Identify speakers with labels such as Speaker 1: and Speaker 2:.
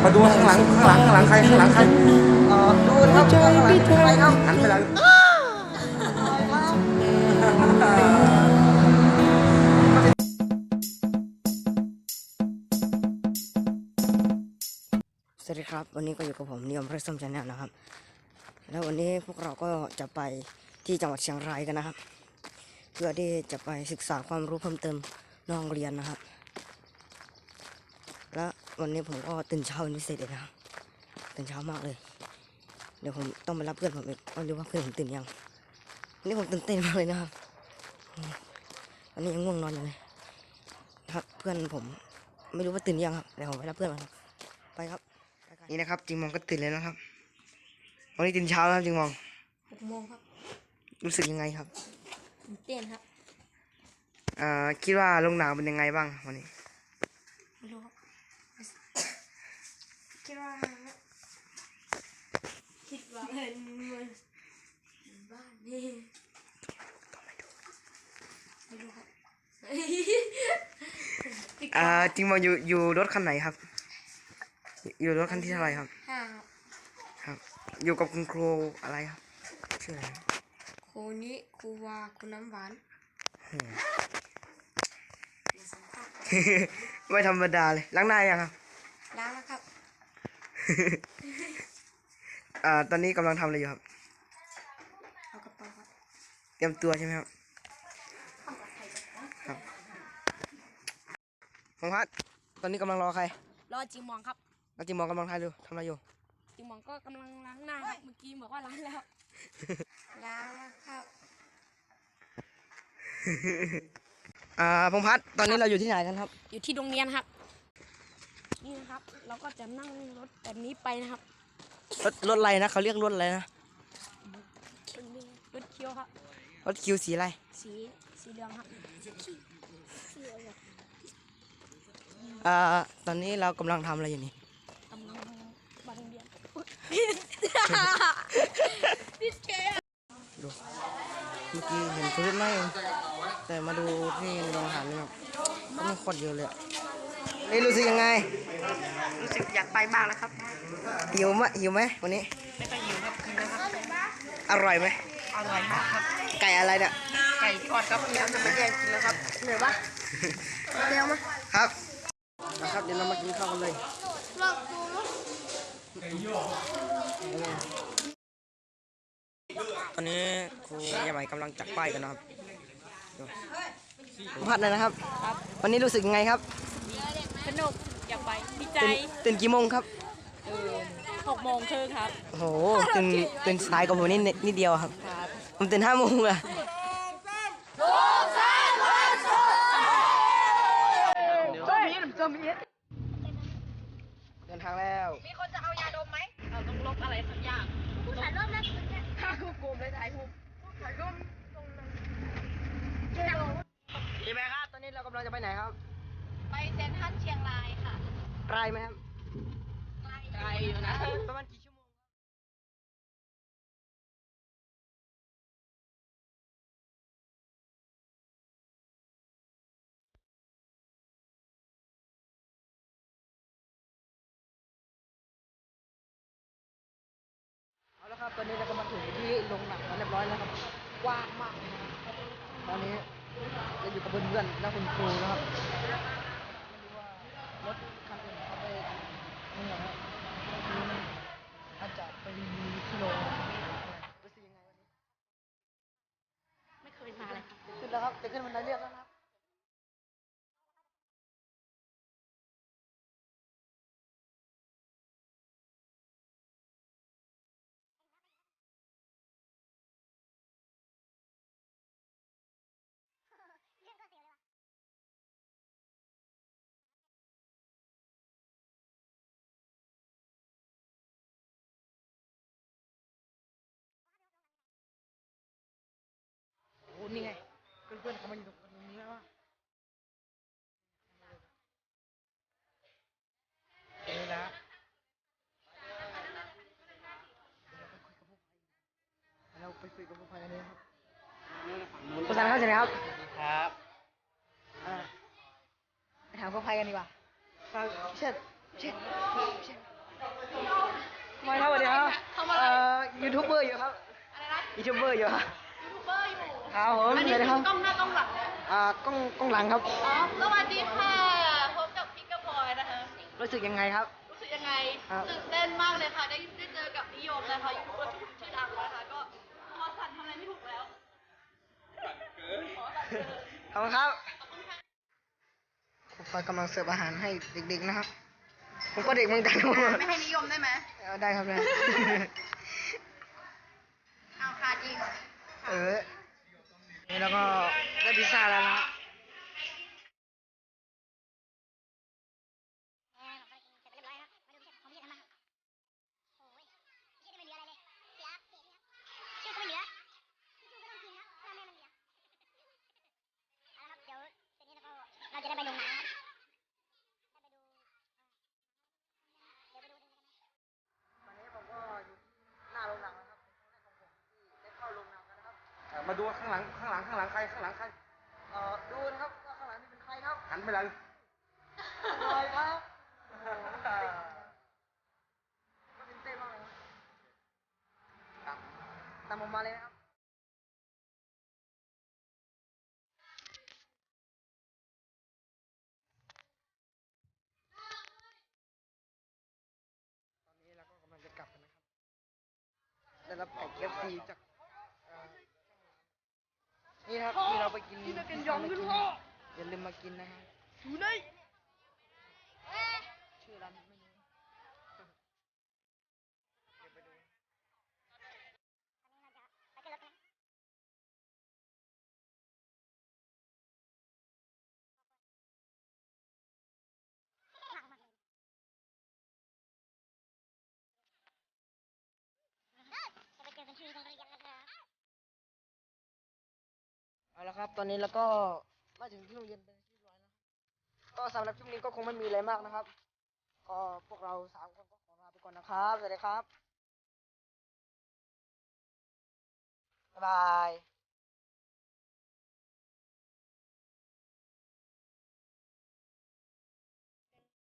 Speaker 1: มาดูข้างหลังใครข้างหลังใคร
Speaker 2: ดูนะครับข้างหลังใครครับ
Speaker 1: หันไปแล้วสวัสดีครับวันนี้ก็อยู่กับผมนิยมเพรสซัมชาแนลนะครับแล้ววันนี้พวกเราก็จะไปที่จังหวัดเชียงรายกันนะครับเพื่อที่จะไปศึกษาความรู้เพิ่มเติมนอกโรงเรียนนะครับและวันนี้ผมก็ตื่นเช้าเป็นพิเศษเลยนะครับตื่นเช้ามากเลยเดี๋ยวผมต้องไปรับเพื่อนผมอีกไม่รู้ว่าเพื่อนผมตื่นยังวันนี้ผมตื่นเต้นมากเลยนะครับวันนี้ยังง่วงนอนอยู่เลยครับเพื่อนผมไม่รู้ว่าตื่นยังครับเดี๋ยวผมไปรับเพื่อนมาไปครับนี่นะครับจิงมองก็ตื่นเลยนะครับวันนี้ตื่นเช้าแล้วจิงมอง
Speaker 2: 6 โมงครับ
Speaker 1: รู้สึกยังไงครับ
Speaker 2: ตื่นเต้นครับ
Speaker 1: คิดว่าลมหนาวเป็นยังไงบ้างวันนี้
Speaker 2: ไม่รู้ครับคิดว่าเป็นบ้านนี่ไม่รู้ครับ
Speaker 1: จิงมองอยู่รถคันไหนครับอยู่รถคันที่เท่าไหร่ครับครับอยู่กับคุณครูอะไรครับชื่ออะไร
Speaker 2: ครูนี้ครูวาครูน้ำหวาน
Speaker 1: ไม่ธรรมดาเลยล้างหน้ายังครับ
Speaker 2: ล้างแล้วครับ
Speaker 1: ตอนนี้กำลังทำอะไรอยู่ครับ
Speaker 2: เอากระเป๋าครับ
Speaker 1: เตรียมตัวใช่ไหมครับครับมองพัดตอนนี้กำลังรอใคร
Speaker 2: รอจิงมองครับ
Speaker 1: แล้วจิงมองกำลังทำอะไรอยู่
Speaker 2: จิงมองก็กำลังล้างหน้าครับเมื่อกี้บอกว่าล้างแล้วล้างแล้วครับ
Speaker 1: พงพัฒน์ตอนนี้เราอยู่ที่ไหนกันครับ
Speaker 2: อยู่ที่โรงเรียนครับนี่นะครับเราก็จะนั่งรถแบบนี้ไปนะครับ
Speaker 1: รถอะไรนะเขาเรียกรถอะไรนะ
Speaker 2: รถเคียวครับ
Speaker 1: รถคิวสีอะไร
Speaker 2: สีเหลืองครับ
Speaker 1: ตอนนี้เรากำลังทำอะไรอยู่นี่
Speaker 2: กำลังบังเรียน
Speaker 1: ดูเมื่อกี้เห็นตัวเล็กน้อยแต่มาดูที่โรงอาหารนี่ครับก็มีคนเยอะเลยนี่รู้สึกยังไง
Speaker 2: รู้สึกอยากไปมากแล้วครับ
Speaker 1: หิวไหมวันนี้
Speaker 2: ไม่ไปหิวครับกินแล้วครับ
Speaker 1: อร่อยไหม
Speaker 2: อร่อยมากครับ
Speaker 1: ไก่อะไรเนี่ย
Speaker 2: ไก่ทอดครับแล้วจะมาแย่งกินแล้วครับเหนื่อยปะเร็วมั้ย
Speaker 1: ครับนะครับเดี๋ยวเรามากินข้าวกันเลยตอนนี้ครูยายใหม่กำลังจัดป้ายกันนะครับพัดเลยนะครับวันนี้รู้สึกยังไงครับ
Speaker 2: สนุกอยากไปดีใจ
Speaker 1: ตื่นกี่โมงครับ
Speaker 2: 6 โมงครึ่งครับ
Speaker 1: โอ้โหตื่นสายกว่าผมนิดเดียวครับผมตื่น5 โมงอะเดินทางแล้ว
Speaker 2: มีคนจะเอายาดมไหมเราต้องลบอะไรสักอย่างถ่ายรูปนะถ่ายรูปกลุ่มเลยถ่ายรูปตรงนั้น
Speaker 1: ดีไหมครับตอนนี้เรากำลังจะไปไหนครับ
Speaker 2: ไปเซ็นทรัลเชียงรายค่ะ
Speaker 1: ไกลไหมครับ
Speaker 2: ไกลอยู่นะ
Speaker 1: ประมาณกี่ชั่วโมงเอาละครับตอนนี้เราก็มาถึงที่โรงหนังเรียบร้อยแล้วครับกว้างมากนะครับตอนนี้เราอยู่กับเพื่อนๆและคุณครูนะครับไม่รู้ว่ารถคันอื่นเขาไปนี่เหรอครับอาจจะไปรีวิวที่โรงรู้สึกยังไงวันนี้
Speaker 2: ไม่เคยมาเลยครับ
Speaker 1: ขึ้นแล้วครับจะขึ้นบันไดเลื่อนแล้วครับโอ้นี่ไงเพื่อนๆเขามาอยู่ตรงนี้แล้วนี่นะเราไปคุยกับผู้ภัยกันเลยครับผู้ชายเข้าใจไหมครับ
Speaker 3: ครับ
Speaker 1: ไปถามผู้ภัยกันดีกว่าเชิญ
Speaker 3: ไม่ครับสวัสดีครับ
Speaker 2: ทำอะไร
Speaker 3: ยูทูบเบอร์อยู่ครับ
Speaker 2: อะไรนะ
Speaker 3: ยูทูบเบอร์อยู่ครับ
Speaker 2: ยูทูบเบอร์อยู่
Speaker 3: ครับผม
Speaker 2: อันนี้
Speaker 3: สวัสดีครับ
Speaker 2: คือกล้องหน้ากล้องหลังเนี่ย
Speaker 3: กล้องหลังครับ
Speaker 2: อ๋อสวัสดีค่ะ พบกับพิกกับพลอยนะคะ
Speaker 3: รู้สึกยังไงครับ
Speaker 2: รู้สึกยังไง
Speaker 3: ครับ
Speaker 2: ตื่นเต้นมากเลยค่ะ ได้เจอกับนิยมนะคะยูทูบเบอร์ชื่อดังนะคะ ก็พอสั่นทำอะไรไม่ถูกแล้วขอสั่นเกิน
Speaker 3: ขอบคุณครับ
Speaker 2: ขอบคุณค่ะ
Speaker 3: ครูพลอยกำลังเสิร์ฟอาหารให้เด็กๆนะครับ ผมก็เด็กเหมือนกันครับ
Speaker 2: ไม่ให้นิยมได้ไหม
Speaker 3: ได้ครับได้
Speaker 2: เอาค่ะอีก
Speaker 3: นี่แล้วก็ได้พิซซ่าแล้วนะครับ
Speaker 4: เราจะได้ไปลงน้ำครับ
Speaker 3: ตอนนี้ผมก็อยู่หน้าโรงหนังนะครับเป็นครั้งแรกของผมที่ได้เข้าโรงหนังแล้วนะครับมาดูข้างหลังใครดูนะครับว่าข้างหลังนี่เป็นใครครับหันไปเลยใครครับก็เป็นเต้นมากเลยครับตามผมมาเลยนะครับ ตอนนี้เราก็กำลังจะกลับกันนะครับ ได้รับไก่KFCจากนี่ครับที่เราไปกินพิซซ่ามากินอย่าลืมมากินนะครับอยู่ไหนชื่อร้านไม่รู้เดี๋ยวไปดู
Speaker 4: จะไปเจอกันที่โรงเรียนนะครับ
Speaker 3: เอาละครับ ตอนนี้เราก็มาถึงที่โรงเรียนเป็นที่เรียบร้อยแล้วก็สำหรับคลิปนี้ก็คงไม่มีอะไรมากนะครับ ก็พวกเรา3 คนก็ขอลาไปก่อนนะครับ สวัสดีครับ บ๊ายบาย